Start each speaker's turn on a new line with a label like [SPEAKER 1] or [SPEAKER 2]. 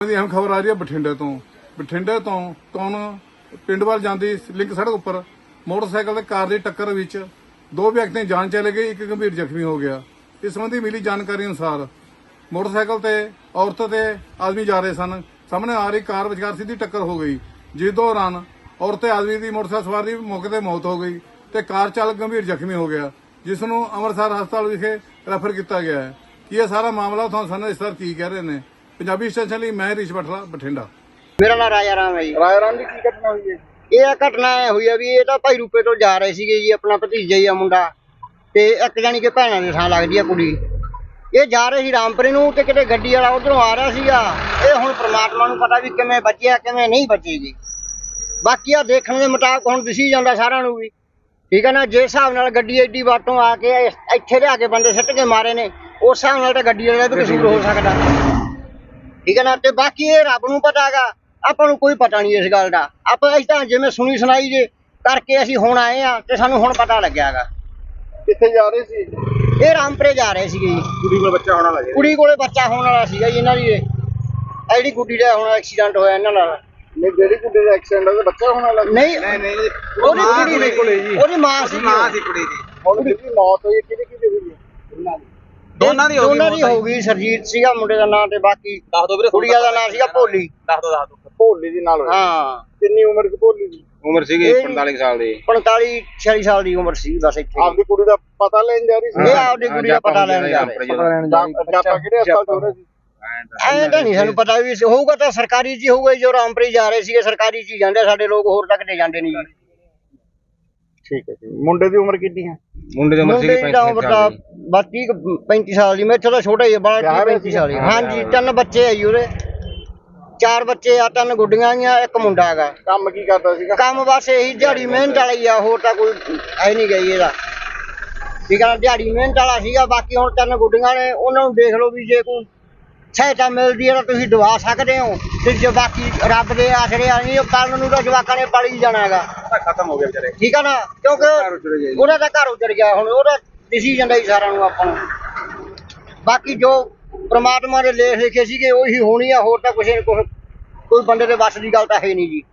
[SPEAKER 1] ਅਹਿਮ ਖਬਰ ਆ ਰਹੀ ਹੈ ਬਠਿੰਡੇ ਤੋਂ ਕੌਣ ਪਿੰਡ ਵੱਲ ਜਾਂਦੀ ਲਿੰਕ ਸੜਕ ਉੱਪਰ ਮੋਟਰਸਾਈਕਲ ਤੇ ਕਾਰ ਦੀ ਟੱਕਰ ਵਿੱਚ ਦੋ ਵਿਅਕਤੀਆਂ ਦੀ ਜਾਨ ਚਲੇ ਗਈ, ਇੱਕ ਗੰਭੀਰ ਜ਼ਖਮੀ ਹੋ ਗਿਆ। ਇਸ ਸੰਬੰਧੀ ਮਿਲੀ ਜਾਣਕਾਰੀ ਅਨੁਸਾਰ ਮੋਟਰਸਾਈਕਲ ਤੇ ਔਰਤ ਤੇ ਆਦਮੀ ਜਾ ਰਹੇ ਸਨ। ਸਾਹਮਣੇ ਆ ਰਹੀ ਕਾਰ ਵਿਚਕਾਰ ਸਿੱਧੀ ਟੱਕਰ ਹੋ ਗਈ, ਜਿਸ ਦੌਰਾਨ ਔਰਤ ਤੇ ਆਦਮੀ ਦੀ ਮੋਟਰਸਾਈਕਲ ਸਵਾਰ ਦੀ ਮੌਕੇ ਤੇ ਮੌਤ ਹੋ ਗਈ ਤੇ ਕਾਰ ਚਾਲਕ ਗੰਭੀਰ ਜ਼ਖਮੀ ਹੋ ਗਿਆ, ਜਿਸ ਨੂੰ ਅੰਮ੍ਰਿਤਸਰ ਹਸਪਤਾਲ ਵਿਖੇ ਰੈਫਰ ਕੀਤਾ ਗਿਆ ਹੈ। ਕਿ ਇਹ ਸਾਰਾ ਮਾਮਲਾ ਤੁਹਾਨੂੰ ਸਾਨੂੰ ਇਸ ਤਰ੍ਹਾਂ ਕੀ ਕਹਿ ਰਹੇ ਨੇ। ਪੰਜਾਬੀ ਸਟੇਸ਼ਨ ਲਈ ਮੈਂ ਰਿਸ਼ ਬਠਲਾ, ਬਠਿੰਡਾ।
[SPEAKER 2] मेरा नाम राजा राम है जी।
[SPEAKER 1] ਰਾਏ ਰਾਮ ਦੀ ਕੀ ਘਟਨਾ ਹੋਈ ਹੈ?
[SPEAKER 2] ਇਹ ਘਟਨਾ ਹੋਈ ਆ ਵੀ ਇਹ ਤਾਂ ਭਾਈ ਰੂਪੇ ਤੋਂ ਜਾ ਰਹੇ ਸੀਗੇ ਜੀ, ਆਪਣਾ ਭਤੀਜਾ ਹੀ ਆ ਮੁੰਡਾ ਤੇ ਇੱਕ ਜਾਨੀ ਕਿ ਭੈਣਾਂ ਦੇ ਥਾਂ ਲੱਗਦੀ ਆ ਕੁੜੀ। ਇਹ ਜਾ ਰਹੇ ਸੀ ਰਾਮਪੁਰੇ ਨੂੰ ਤੇ ਕਿਤੇ ਗੱਡੀ ਵਾਲਾ ਉਧਰੋਂ ਆ ਰਿਹਾ ਸੀਗਾ। ਇਹ ਹੁਣ ਪ੍ਰਮਾਤਮਾ ਨੂੰ ਪਤਾ ਵੀ ਕਿਵੇਂ ਬਚਿਆ ਕਿਵੇਂ ਨਹੀਂ ਬਚੇਗੀ। ਬਾਕੀ ਆ ਦੇਖਣ ਦੇ ਮੁਤਾਬਕ ਹੁਣ ਦਿਸੀ ਜਾਂਦਾ ਸਾਰਿਆਂ ਨੂੰ ਵੀ, ਠੀਕ ਹੈ ਨਾ। ਜਿਸ ਹਿਸਾਬ ਨਾਲ ਗੱਡੀ ਐਡੀ ਬਾਟੋਂ ਆ ਕੇ ਇੱਥੇ ਲਿਆ ਕੇ ਬੰਦੇ ਸਿੱਟ ਕੇ ਮਾਰੇ ਨੇ, ਉਸ ਹਿਸਾਬ ਨਾਲ ਤਾਂ ਗੱਡੀ ਵਾਲੇ ਦਾ ਵੀ ਕਸੂਰ ਹੋ ਸਕਦਾ, ਠੀਕ ਹੈ ਨਾ। ਤੇ ਬਾਕੀ ਇਹ ਰੱਬ ਨੂੰ ਪਤਾ ਹੈਗਾ, ਆਪਾਂ ਨੂੰ ਕੋਈ ਪਤਾ ਨਹੀਂ ਇਸ ਗੱਲ ਦਾ। ਆਪਾਂ ਅਸੀਂ ਤਾਂ ਜਿਵੇਂ ਸੁਣੀ ਸੁਣਾਈ ਜੇ ਕਰਕੇ ਅਸੀਂ ਹੁਣ ਆਏ ਆ ਤੇ ਸਾਨੂੰ ਹੁਣ ਪਤਾ ਲੱਗਿਆ ਹੈਗਾ।
[SPEAKER 1] ਕਿੱਥੇ ਜਾ ਰਹੇ ਸੀ?
[SPEAKER 2] ਇਹ ਰਾਮਪੁਰੇ ਜਾ ਰਹੇ ਸੀਗੇ ਜੀ।
[SPEAKER 1] ਕੁੜੀ ਕੋਲ ਬੱਚਾ ਹੋਣ ਵਾਲਾ ਸੀ।
[SPEAKER 2] ਕੁੜੀ ਕੋਲੇ ਬੱਚਾ ਹੋਣ ਵਾਲਾ ਸੀਗਾ ਜੀ ਇਹਨਾਂ ਦੀ। ਇਹ ਜਿਹੜੀ ਗੁੱਡੀ ਦਾ ਹੁਣ ਐਕਸੀਡੈਂਟ ਹੋਇਆ ਇਹਨਾਂ ਨਾਲ।
[SPEAKER 1] ਨਹੀਂ, ਜਿਹੜੀ ਕੁੜੀ ਦਾ ਐਕਸੀਡੈਂਟ ਹੋਇਆ ਬੱਚਾ ਹੋਣ ਵਾਲਾ ਸੀ?
[SPEAKER 2] ਨਹੀਂ ਉਹਦੀ ਕੁੜੀ
[SPEAKER 1] ਕੋਲੇ ਜੀ,
[SPEAKER 2] ਉਹਦੀ ਮਾਂ ਸੀ
[SPEAKER 1] ਕੁੜੀ ਦੀ। ਹੁਣ ਜਿਹਦੀ ਮੌਤ ਹੋਈ ਕਿਹਦੀ ਹੋਈ ਹੈ?
[SPEAKER 2] ਦੋਨਾਂ ਦੀ ਹੋ ਗਈ। ਸਰਜੀਤ ਸੀਗਾ ਮੁੰਡੇ ਦਾ ਨਾਂ ਤੇ ਬਾਕੀ
[SPEAKER 3] ਦੱਸ ਦੋ ਵੀਰੇ।
[SPEAKER 2] ਕੁੜੀਆਂ ਦਾ ਨਾਂ ਸੀਗਾ ਭੋਲੀ।
[SPEAKER 3] ਦੱਸ ਦੋ
[SPEAKER 1] ਭੋਲੀ ਦੀ ਨਾਲ ਹੋਇਆ।
[SPEAKER 2] ਹਾਂ,
[SPEAKER 1] ਕਿੰਨੀ ਉਮਰ ਦੀ ਭੋਲੀ ਦੀ?
[SPEAKER 3] ਉਮਰ ਸੀਗੀ 45 ਸਾਲ ਦੀ।
[SPEAKER 2] 45-46 ਸਾਲ ਦੀ ਉਮਰ ਸੀ ਬਸ ਇੱਥੇ।
[SPEAKER 1] ਆਪਦੀ ਕੁੜੀ ਦਾ ਪਤਾ ਲੈਣ ਜਾ ਰਹੀ ਸੀ?
[SPEAKER 2] ਇਹ ਆਪਦੀ ਕੁੜੀ ਦਾ ਪਤਾ ਲੈਣ ਜਾ ਰਹੇ ਸੀ।
[SPEAKER 1] ਆਪਾਂ ਕਿਹੜੇ ਹਸਪਤਾਲ ਤੋਂ ਰਹੇ ਸੀ?
[SPEAKER 2] ਐਂ ਤਾਂ ਨਹੀਂ ਸਾਨੂੰ ਪਤਾ ਵੀ ਹੋਊਗਾ ਤਾਂ ਸਰਕਾਰੀ ਚ ਹੀ ਹੋਊਗਾ। ਜੋ ਰਾਮਪੁਰੇ ਜਾ ਰਹੇ ਸੀਗੇ ਸਰਕਾਰੀ ਚ ਹੀ ਜਾਂਦੇ ਸਾਡੇ ਲੋਕ, ਹੋਰ ਤੱਕ ਤੇ ਜਾਂਦੇ ਨਹੀਂ ਜੀ।
[SPEAKER 1] ਠੀਕ ਹੈ ਜੀ। ਮੁੰਡੇ ਦੀ ਉਮਰ ਕਿੰਨੀ ਹੈ?
[SPEAKER 3] ਮੁੰਡੇ ਦੀ ਉਮਰ ਸੀਗੀ 35 ਸਾਲ ਦੀ।
[SPEAKER 2] ਬਸ 35 ਸਾਲ ਦੀ। ਮੇਰੇ ਤੋਂ ਛੋਟਾ ਹੀ ਹੈ, ਬਾਲਾ 35 ਸਾਲ ਦੀ। ਹਾਂਜੀ, 3 ਬੱਚੇ ਆ ਜੀ ਉਹਦੇ। 4 ਬੱਚੇ ਆ, 3 ਗੁੱਡੀਆਂ ਆ, ਇੱਕ ਮੁੰਡਾ ਹੈਗਾ।
[SPEAKER 1] ਕੰਮ ਕੀ ਕਰਦਾ ਸੀਗਾ?
[SPEAKER 2] ਕੰਮ ਬਸ ਇਹੀ ਦਿਹਾੜੀ ਮਿਹਨਤ ਵਾਲਾ ਹੀ ਆ, ਹੋਰ ਤਾਂ ਕੋਈ ਹੈ ਨਹੀਂ ਗਈ ਇਹਦਾ, ਠੀਕ ਆ। ਦਿਹਾੜੀ ਮਿਹਨਤ ਵਾਲਾ ਸੀਗਾ। ਬਾਕੀ ਹੁਣ 3 ਗੁੱਡੀਆਂ ਨੇ, ਉਹਨਾਂ ਨੂੰ ਦੇਖ ਲਓ ਵੀ ਜੇ ਕੋਈ ਸਹਾਇਤਾ ਮਿਲਦੀ ਹੈ ਤਾਂ ਤੁਸੀਂ ਦਵਾ ਸਕਦੇ ਹੋ, ਤੇ ਜੇ ਬਾਕੀ ਰੱਬ ਦੇ ਆਸਰੇ ਆ ਨਹੀਂ, ਕੱਲ ਨੂੰ ਤਾਂ ਜਵਾਕਾਂ ਨੇ ਪਲ ਹੀ ਜਾਣਾ ਹੈਗਾ।
[SPEAKER 3] ਖਤਮ ਹੋ ਗਿਆ ਵਿਚਾਰੇ,
[SPEAKER 2] ਠੀਕ ਆ ਨਾ, ਕਿਉਂਕਿ ਉਹਦਾ ਤਾਂ ਘਰ ਉਜੜ ਗਿਆ। ਹੁਣ ਉਹਦਾ ਦਿਸੀ ਜਾਂਦਾ ਹੀ ਸਾਰਿਆਂ ਨੂੰ ਆਪਾਂ ਨੂੰ। ਬਾਕੀ ਜੋ ਪ੍ਰਮਾਤਮਾ ਦੇ ਲੇਖ ਲਿਖੇ ਸੀਗੇ ਉਹੀ ਹੋਣੀ ਆ, ਹੋਰ ਤਾਂ ਕੋਈ ਬੰਦੇ ਦੇ ਵੱਸ ਦੀ ਗੱਲ ਤਾਂ ਹੈ ਨਹੀਂ ਜੀ।